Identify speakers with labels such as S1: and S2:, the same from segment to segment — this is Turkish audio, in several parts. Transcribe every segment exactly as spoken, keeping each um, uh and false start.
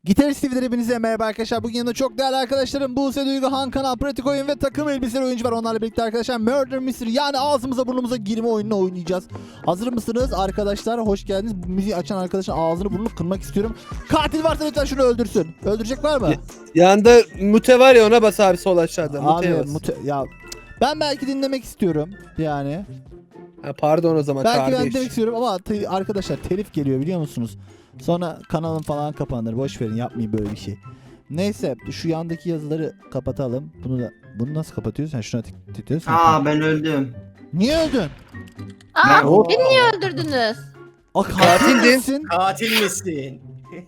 S1: Gitarist T V'den hepinize merhaba arkadaşlar. Bugün yanımda çok değerli arkadaşlarım Buse, Duygu, Han, Kanal, Pratik Oyun ve takım elbiseli oyuncu var. Onlarla birlikte arkadaşlar Murder Mystery, yani ağzımıza burnumuza girme oyununu oynayacağız. Hazır mısınız arkadaşlar? Hoş geldiniz. Bu müziği açan arkadaşın ağzını burnunu kırmak istiyorum. Katil varsa lütfen şunu öldürsün. Öldürecek var mı?
S2: Yanında mute var ya, ona bas abi, sol aşağıda.
S1: Abi
S2: Muteye bas.
S1: mute, ya ben belki dinlemek istiyorum yani.
S2: Ha, pardon o zaman
S1: Belki ben
S2: kardeş.
S1: dinlemek istiyorum ama te- arkadaşlar telif geliyor biliyor musunuz? Sonra kanalım falan kapanır. Boş verin, yapmayın böyle bir şey. Neyse şu yandaki yazıları kapatalım. Bunu da bunu nasıl kapatıyorsun? Sen şuna tık- tıklıyorsun.
S3: Aa ben öldüm.
S1: Niye öldün?
S3: Ben-
S4: Aa, beni niye öldürdünüz?
S1: O
S2: Katildin.
S1: katilsin.
S5: Katil misin?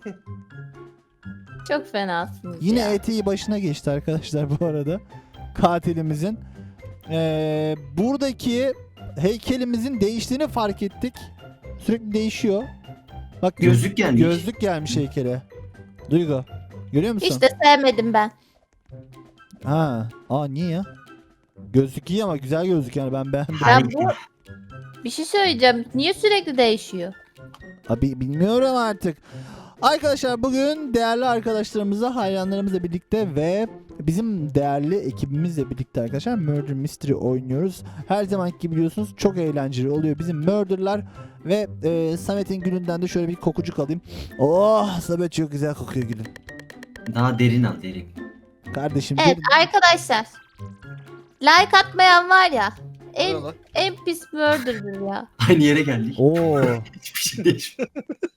S4: Çok fenasınız
S1: Yine
S4: ya.
S1: eteği başına geçti arkadaşlar bu arada. Katilimizin. Ee, buradaki heykelimizin değiştiğini fark ettik. Sürekli değişiyor. Bak göz-
S3: Gözlük gelmiş.
S1: Gözlük gelmiş heykele. Duygu. Görüyor musun?
S4: Hiç de sevmedim ben.
S1: Ha. Aa niye ya? Gözlük iyi ama güzel gözlük yani, ben beğendim.
S4: Ya
S3: Hani-
S4: bu bir şey söyleyeceğim. Niye sürekli değişiyor?
S1: Abi bilmiyorum artık. Arkadaşlar bugün değerli arkadaşlarımızla, hayranlarımızla birlikte ve bizim değerli ekibimizle birlikte arkadaşlar Murder Mystery oynuyoruz. Her zamanki gibi biliyorsunuz çok eğlenceli oluyor bizim Murder'lar ve e, Samet'in gülünden de şöyle bir kokucuk alayım. Oh, Samet çok güzel kokuyor gülün.
S3: Daha derin al derin.
S1: Kardeşim
S4: Evet
S1: bir-
S4: arkadaşlar. Like atmayan var ya. En,
S2: Ne lan?
S4: en pis murder'dır ya.
S3: Aynı yere geldik.
S1: Oo.
S3: Hiçbir şey değişmiyor.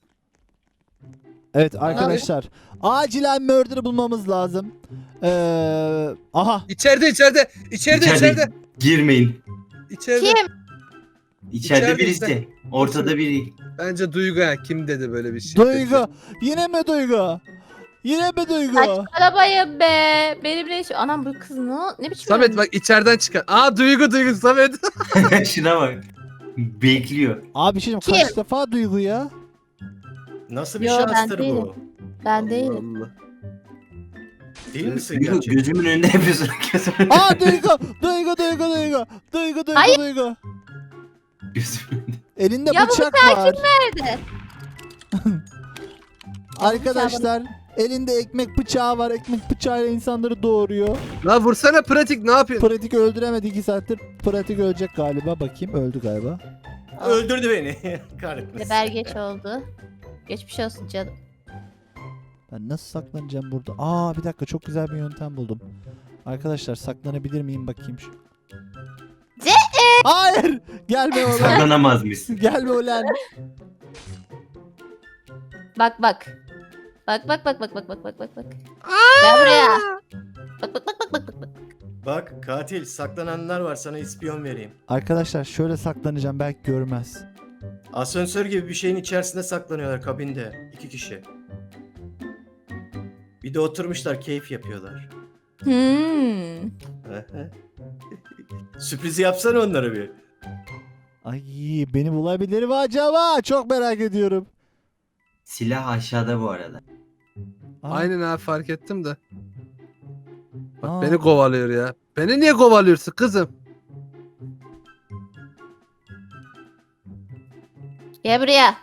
S1: Evet arkadaşlar acilen Murder'ı bulmamız lazım. Ee, aha.
S2: İçeride içeride. İçeride içeride.
S3: Girmeyin.
S2: İçeride.
S4: Kim?
S3: İçeride
S2: İçeride,
S3: birisi.
S2: içeride.
S3: Ortada biri.
S2: Bence Duygu ha. Kim dedi böyle bir şey?
S1: Duygu. Yine mi Duygu? Yine mi Duygu?
S4: Arabayı be. Benimle şu... Anam bu kız ne, ne biçim
S2: Samet
S4: ölmüş?
S2: bak içeriden çıkar. Aa Duygu Duygu Samet.
S3: Şuna bak. Bekliyor.
S1: Abi bir şey diyeyim, kaç defa Duygu ya?
S5: Nasıl bir
S4: Yo, ben
S5: şanstır
S4: değilim.
S5: bu?
S4: Ben değilim.
S2: Allah.
S5: Değil misin
S3: Duygu,
S5: gerçekten?
S3: gözümün önünde yapıyorsun. Gözümün
S1: Aa Duygu! Duygu Duygu Duygu! Duygu Duygu
S4: Hayır.
S1: Duygu!
S3: Gözümün önünde.
S1: Elinde
S4: Ya bu
S1: bıçak var.
S4: Nerede?
S1: Arkadaşlar elinde ekmek bıçağı var. Ekmek bıçağıyla insanları doğuruyor.
S2: La vursana pratik, ne yapıyorsun?
S1: Pratik öldüremedi iki saattir. Pratik ölecek galiba. Bakayım, öldü galiba.
S5: Öldürdü beni. Kahretmesin.
S4: Geber geç oldu. Geçmiş olsun canım.
S1: Ben nasıl saklanacağım burada? Aa bir dakika, çok güzel bir yöntem buldum. Arkadaşlar saklanabilir miyim bakayım şu.
S4: Ce-
S1: Hayır! Gelme ulan.
S3: Saklanamaz mısın?
S1: Gelme ulan.
S4: Bak bak. Bak bak bak bak bak bak bak bak bak. Gel buraya. Bak bak bak bak bak bak. bak.
S5: Bak katil, saklananlar var, sana ispiyon vereyim.
S1: Arkadaşlar şöyle saklanacağım, belki görmez.
S5: Asansör gibi bir şeyin içerisinde saklanıyorlar, kabinde. İki kişi. Bir de oturmuşlar, keyif yapıyorlar.
S4: Hmm.
S5: Sürprizi yapsana onlara bir.
S1: Ay beni bulabilir mi acaba? Çok merak ediyorum.
S3: Silah aşağıda bu arada.
S1: Aa,
S2: Aynen abi, fark ettim de. Bak
S1: Aa.
S2: beni kovalıyor ya. Beni niye kovalıyorsun kızım?
S4: Gel buraya.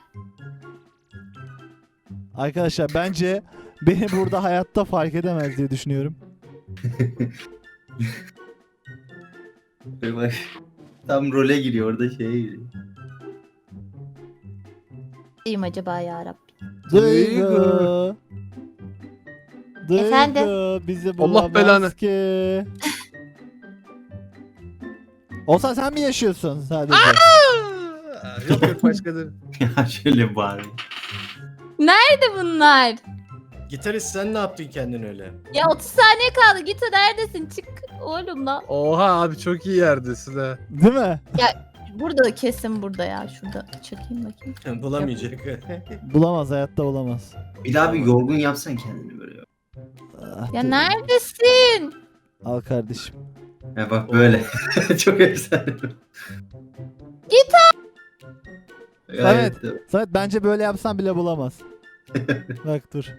S1: Arkadaşlar bence beni burada hayatta fark edemez diye düşünüyorum.
S3: Böyle bak. Tam role giriyor, orada şeye giriyor.
S4: Diyeyim acaba ya Rabbi.
S1: Duygu. Duygu
S4: Efendim?
S1: bizi
S2: Allah
S1: bulamaz
S2: belanı.
S1: ki. Olsan sen mi yaşıyorsun sadece?
S2: Aa, yok yok başkadır.
S3: Ya şöyle bağırıyor.
S4: Nerede bunlar?
S5: Gitarist, sen ne yaptın kendin öyle?
S4: Ya otuz saniye kaldı. Git neredesin? Çık oğlum lan.
S2: Oha abi, çok iyi yerdesin ha.
S1: Değil mi?
S4: Burada da kesin burada ya. Şurada çekeyim bakayım.
S5: Bulamayacak.
S1: Bulamaz, hayatta bulamaz.
S3: Bir daha bir yorgun yapsan kendini böyle.
S1: Ah,
S4: Ya
S1: dur.
S4: neredesin?
S1: Al kardeşim.
S3: Ya bak böyle. Çok efsane.
S4: Git
S3: Gayet
S1: Samet.
S3: de-
S1: Samet bence böyle yapsan bile bulamaz. Bak dur.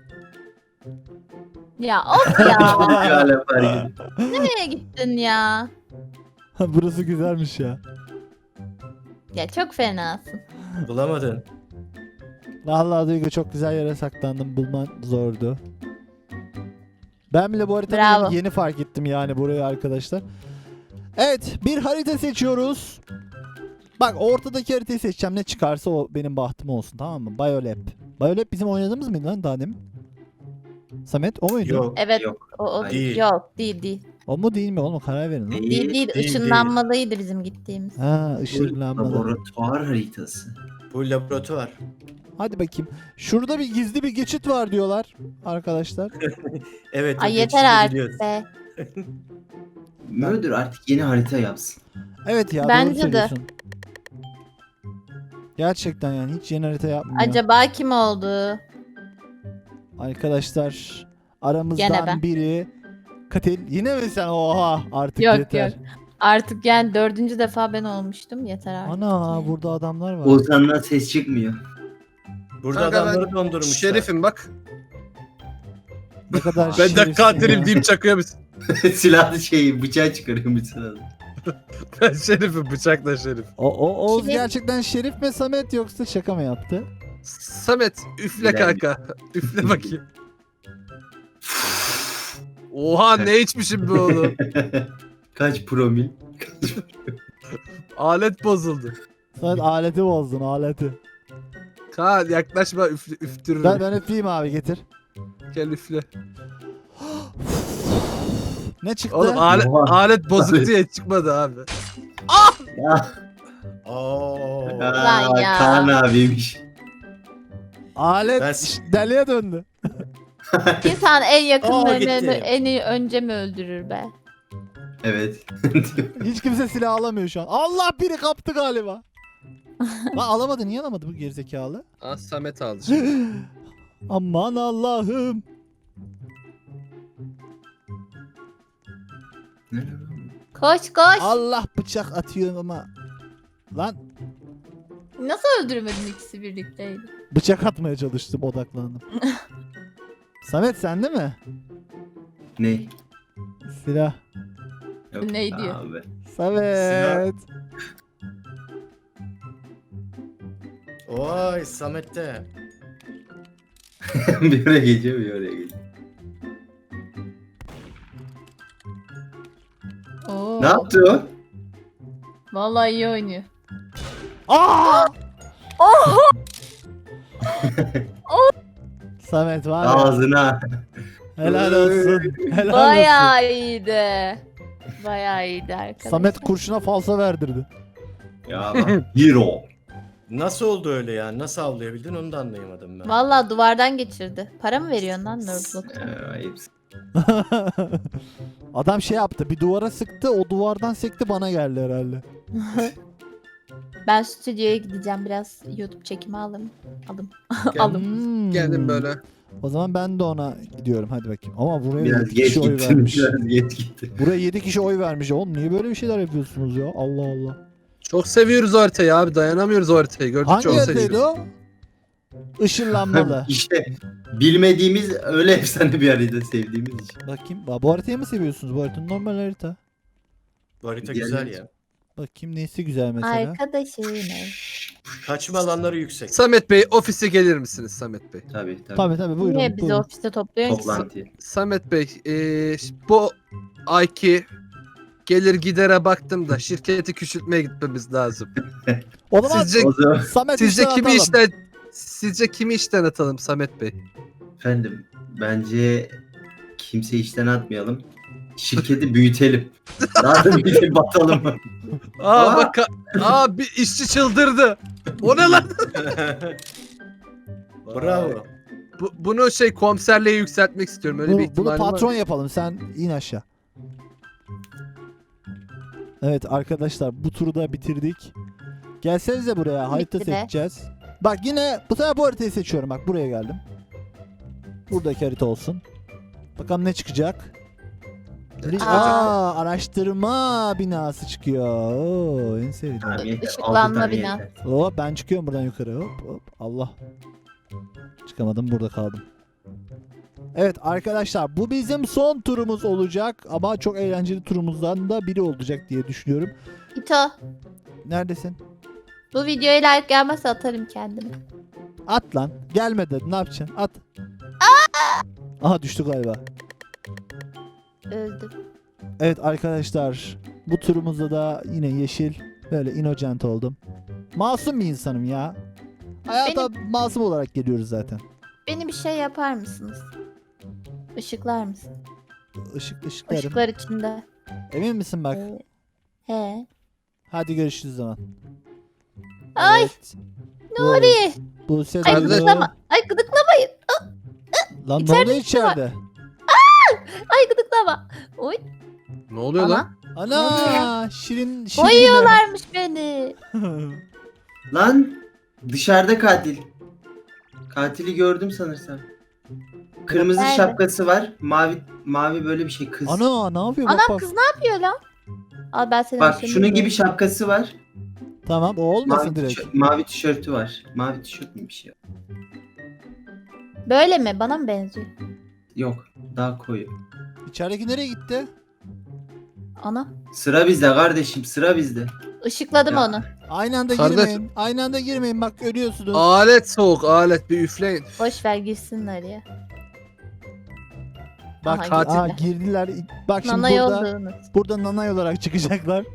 S4: Ya of ya.
S3: Bir alem var gibi.
S4: Nereye gittin ya?
S1: Burası güzelmiş ya.
S4: Ya çok fenasın.
S5: Bulamadın.
S1: Vallahi Duygu çok güzel yere saklandım. Bulman zordu. Ben bile bu haritada
S4: Bravo.
S1: yeni, yeni fark ettim yani burayı arkadaşlar. Evet, bir harita seçiyoruz. Bak ortadaki haritayı seçeceğim. Ne çıkarsa o benim bahtım olsun, tamam mı? Biolab. Biolab bizim oynadığımız mıydı lan daha demin? Samet o muydu?
S5: Yok.
S4: Evet.
S3: Yok.
S4: O, o
S5: Değil.
S4: Yok değil değil.
S1: O mu değil mi oğlum? Karar verin lan.
S3: Değil.
S4: Değil değil.
S5: değil.
S4: Işınlanmalıydı bizim gittiğimiz.
S1: Ha,
S3: Bu
S1: ışınlanmalı.
S3: laboratuvar haritası.
S5: Bu laboratuvar.
S1: Hadi bakayım. Şurada bir gizli bir geçit var diyorlar arkadaşlar.
S5: Evet. o
S4: Ay yeter
S5: geçişi
S4: artık
S5: biliyoruz.
S4: be.
S3: Murder artık yeni harita yapsın.
S1: Evet ya,
S4: Bence
S1: doğru
S4: de.
S1: söylüyorsun. Gerçekten yani hiç yeni harita yapmıyor.
S4: Acaba kim oldu?
S1: Arkadaşlar
S4: Gene
S1: aramızdan
S4: ben.
S1: biri Katil. Yine mi sen? Oha artık
S4: Yok,
S1: yeter.
S4: yok. Artık yani dördüncü defa ben olmuştum. Yeter artık.
S1: Ana
S4: yani.
S1: burada adamlar var.
S3: Ozan'dan ses çıkmıyor.
S5: Burada
S2: Kanka ben
S5: adamları dondurmuşlar.
S2: Şerifim bak.
S1: Ne kadar
S2: Ben de
S1: şerefsiz
S2: katilim
S1: ya.
S2: deyip çakıyor musun?
S3: Silahlı şeyi bıçağı çıkarıyor mesela.
S2: Ben şerifim, bıçakla şerif.
S1: O, o Oğuz
S4: Kim?
S1: gerçekten Şerif mi Samet yoksa şaka mı yaptı?
S2: Samet üfle
S3: Bilal.
S2: kanka. Üfle bakayım. Oha ne içmişim be oğlum.
S3: Kaç promil?
S2: Alet bozuldu.
S1: Samet aleti bozdun aleti.
S2: Kaan yaklaşma üfle, üftürürüm.
S1: Ben, ben öpeyim abi, getir.
S2: Gel üfle.
S1: Ne çıktı?
S2: Oğlum alet,
S3: Oha.
S2: alet bozuk diye çıkmadı abi.
S3: Ya.
S5: Oo.
S4: Lan ya.
S3: Kaan abiymiş.
S1: Alet
S5: Ben-
S1: şş, deliye döndü.
S4: İnsan en
S5: Aa,
S4: yakınlarını
S5: gitti.
S4: en iyi önce mi öldürür be?
S3: Evet.
S1: Hiç kimse silah alamıyor şu an. Allah, biri kaptı galiba. Lan alamadı, niye alamadı bu gerizekalı?
S2: Aa Samet aldı şimdi.
S1: Aman Allah'ım.
S4: Koş koş.
S1: Allah, bıçak atıyorum ama. Lan
S4: Nasıl öldürmedin ikisi birlikteydi?
S1: bıçak atmaya çalıştım, odaklandım. Samet sende mi?
S3: Ne?
S1: Silah.
S3: Yok
S4: Ne diyor?
S3: Abi.
S1: Samet.
S5: Oy Samet'te.
S3: bir oraya geçiyor bir oraya geçiyor.
S4: Oo.
S3: Ne yaptı o?
S4: Vallahi iyi oynuyor.
S1: Aa! Samet var ya.
S3: Ağzına.
S1: Helal olsun. Helal olsun.
S4: Bayağı iyiydi. Bayağı iyiydi arkadaşlar.
S1: Samet kurşuna falsa verdirdi.
S3: Ya bak. Hero.
S5: Nasıl oldu öyle ya? Nasıl avlayabildin onu da anlayamadım ben.
S4: Vallahi duvardan geçirdi. Para mı veriyorsun lan Nerdlock?
S3: Ee, ayıpsın.
S1: Adam şey yaptı, bir duvara sıktı, o duvardan sekti bana geldi herhalde.
S4: Ben stüdyoya gideceğim, biraz YouTube çekimi alırım. Alım.
S2: Gel-
S4: Alım.
S1: Hmm.
S2: Geldim böyle.
S1: O zaman ben de ona gidiyorum, hadi bakayım. Ama buraya
S3: Biraz
S1: yedi
S3: geç
S1: kişi oy
S3: gittin.
S1: vermiş.
S3: Biraz geç gittin.
S1: Buraya yedi kişi oy vermiş. Oğlum niye böyle bir şeyler yapıyorsunuz ya? Allah Allah.
S2: Çok seviyoruz o haritayı abi. Dayanamıyoruz o haritayı. Gördükçe
S1: Hangi
S2: onu
S1: haritaydı
S2: seviyoruz.
S1: o? Işınlanmalı.
S3: İşte bilmediğimiz öyle efsane bir harita sevdiğimiz için.
S1: Bakayım. Ba- Bu haritayı mı seviyorsunuz? Bu harita normal harita.
S5: Bu harita
S3: Diğer-
S5: güzel ya.
S1: Bakayım neyse güzel mesela.
S4: Arkadaşım.
S5: Kaçma alanları yüksek.
S2: Samet Bey ofise gelir misiniz Samet Bey?
S3: Tabii tabii.
S1: Tabii tabii, buyurun.
S4: Niye bizi
S1: buyurun.
S4: ofiste topluyorsun ki?
S3: Toplantı.
S2: Samet Bey eee, bu ayki gelir gidere baktım da şirketi küçültmeye gitmemiz lazım.
S1: O zaman
S2: Sizce
S3: O zaman
S1: Samet
S2: sizce
S1: işten
S2: kimi
S1: atalım.
S2: işten sizce kimi işten atalım Samet Bey?
S3: efendim bence kimse işten atmayalım. Şirketi büyütelim. Daha da büyütelim batalım.
S2: Aa
S3: Aa!
S2: bak aa bir işçi çıldırdı. O ne lan?
S5: Bravo.
S2: Bu, bunu şey komiserliğe yükseltmek istiyorum. Öyle bir
S1: Bunu, bunu
S2: ihtimal var.
S1: patron yapalım. Sen in aşağı. Evet arkadaşlar, bu turu da bitirdik. Gelsenize buraya, harita
S4: Bitti de.
S1: seçeceğiz. Bak yine bu sefer bu haritayı seçiyorum. Bak buraya geldim. Buradaki harita olsun. Bakalım ne çıkacak.
S2: Ne
S1: Aa, araştırma binası çıkıyor. Oo, en sevdiğim.
S3: Tamam, yeter.
S4: Işıklanma
S3: Altı tane
S4: bina.
S3: yeter.
S1: Hop, ben çıkıyorum buradan yukarı. Hop hop. Allah. Çıkamadım, burada kaldım. Evet arkadaşlar, bu bizim son turumuz olacak ama çok eğlenceli turumuzdan da biri olacak diye düşünüyorum.
S4: İto.
S1: Neredesin?
S4: Bu videoya like gelmezse atarım kendimi.
S1: At lan. Gelme dedi. Ne yapacaksın? At. Aha düştü galiba.
S4: Öldüm.
S1: Evet arkadaşlar. Bu turumuzda da yine yeşil. Böyle innocent oldum. Masum bir insanım ya. Hayata masum olarak geliyoruz zaten.
S4: Beni bir şey yapar mısınız? Işıklar mısın?
S1: Işık ışıklarım.
S4: Işıklar içinde.
S1: Emin misin bak?
S4: Ee, He.
S1: Hadi görüşürüz o zaman.
S4: Ay
S1: Evet.
S4: Nuri.
S1: Bu
S4: Ay
S1: sezon.
S4: gıdıklama. Ay gıdıklamayın.
S1: Lan ne
S4: İçeride
S1: oluyor
S4: bir şey var.
S1: içeride?
S4: Ay gıdıklama. Oy.
S2: Ne oluyor lan?
S4: Ana.
S1: Ana şirin şirin.
S4: Boyuyorlarmış beni.
S3: Lan dışarıda katil. Katili gördüm sanırsam. Kırmızı
S4: Nerede?
S3: şapkası var. Mavi mavi böyle bir şey kız.
S1: Ana ne yapıyor? Bak
S4: Anam
S1: bak.
S4: kız ne yapıyor lan? Al ben seni
S3: Bak
S4: aşağı
S3: şunun gibi
S4: indiriyorum.
S3: şapkası var.
S1: Tamam o olmasın
S3: Mavi,
S1: direkt.
S3: tişört- mavi tişörtü var. Mavi tişört mü bir şey?
S4: Böyle mi? Bana mı benziyor?
S3: Yok. Daha koyu.
S1: İçerideki nereye gitti?
S4: Ana.
S3: Sıra bizde kardeşim. Sıra bizde.
S4: Işıkladım
S3: Ya.
S4: onu.
S1: Aynı anda
S2: Kardeş-
S1: girmeyin. Aynı anda girmeyin bak ölüyorsunuz.
S2: Alet soğuk alet bir üfleyin.
S4: Boş ver girsinler ya.
S1: Bak
S4: Aha,
S2: katil.
S1: aa, girdiler. Bak şimdi
S4: Nana
S1: burada,
S4: yolduğunuz.
S1: burada nanay olarak çıkacaklar.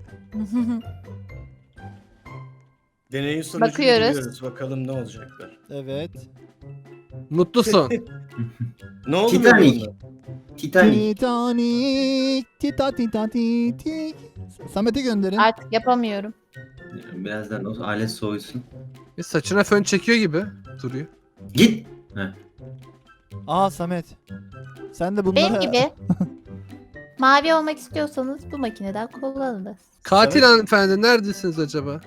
S5: Deneyin sonucunu
S4: Bakıyoruz.
S5: biliyoruz. Bakalım ne olacaklar.
S1: Evet.
S2: Mutlusun.
S5: Ne oldu
S3: Titanic.
S5: bununla?
S3: Titanic.
S1: Titanic. Tita tita titik. Samet'e gönderin.
S4: Artık yapamıyorum.
S3: Birazdan o alet soğusun.
S2: Bir saçına fön çekiyor gibi duruyor.
S3: Git. Heh.
S1: Aa Samet. Sen de bunlara...
S4: Benim gibi. Mavi olmak istiyorsanız bu makineden kullanınız.
S2: Katil
S5: Samet-
S2: hanımefendi neredesiniz acaba?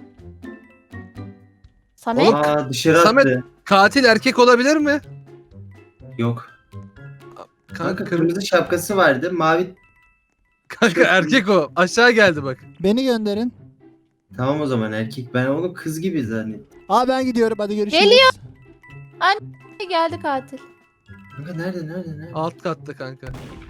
S4: Samet.
S2: Oğlum,
S3: Aa dışarı
S2: Samet-
S3: attı.
S2: Katil erkek olabilir mi?
S3: Yok.
S2: Kanka,
S3: Kanka
S2: kırmızı.
S3: kırmızı şapkası vardı. Mavi.
S2: Kanka erkek o. Aşağı geldi bak.
S1: Beni gönderin.
S3: Tamam o zaman erkek. Ben onu kız gibi zannettim.
S1: Aa ben gidiyorum hadi görüşürüz.
S4: Geliyor. Geldi katil.
S3: Kanka nerede nerede nerede?
S2: Alt katta kanka.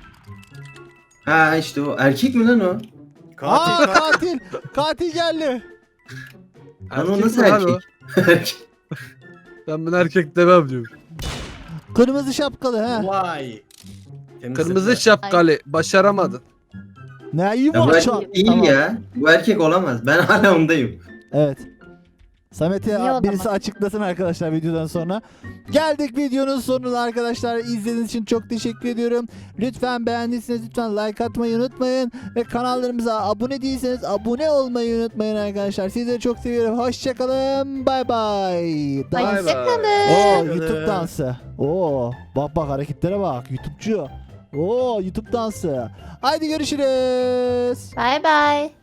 S3: Ha işte o. Erkek mi lan o?
S5: Katil
S1: Aa
S5: katil.
S1: katil. Katil geldi.
S3: Lan o
S2: Erkek
S3: nasıl
S2: mi lan
S3: erkek?
S2: o?
S3: Erkek.
S2: Ben bunu erkek demem diyorum.
S1: Kırmızı şapkalı ha.
S5: Vay. Temizlediler.
S2: Kırmızı şapkalı. Başaramadın.
S1: Ne iyi
S3: Ya bu
S1: var
S3: erkek değil
S1: Tamam.
S3: ya. Bu erkek olamaz. Ben hala ondayım.
S1: Evet. Samet'e
S4: Niye o
S1: birisi
S4: zaman?
S1: açıklasın arkadaşlar videodan sonra. Geldik videonun sonuna arkadaşlar. İzlediğiniz için çok teşekkür ediyorum. Lütfen beğendiyseniz lütfen like atmayı unutmayın. Ve kanallarımıza abone değilseniz abone olmayı unutmayın arkadaşlar. Sizleri çok seviyorum. Hoşçakalın. Bay bay.
S2: Bay bay.
S4: Hoşçakalın.
S1: Oo
S5: Hoşçakalın.
S1: YouTube dansı. Oo bak bak hareketlere bak. YouTube'cu. Oo YouTube dansı. Haydi görüşürüz.
S4: Bye bye.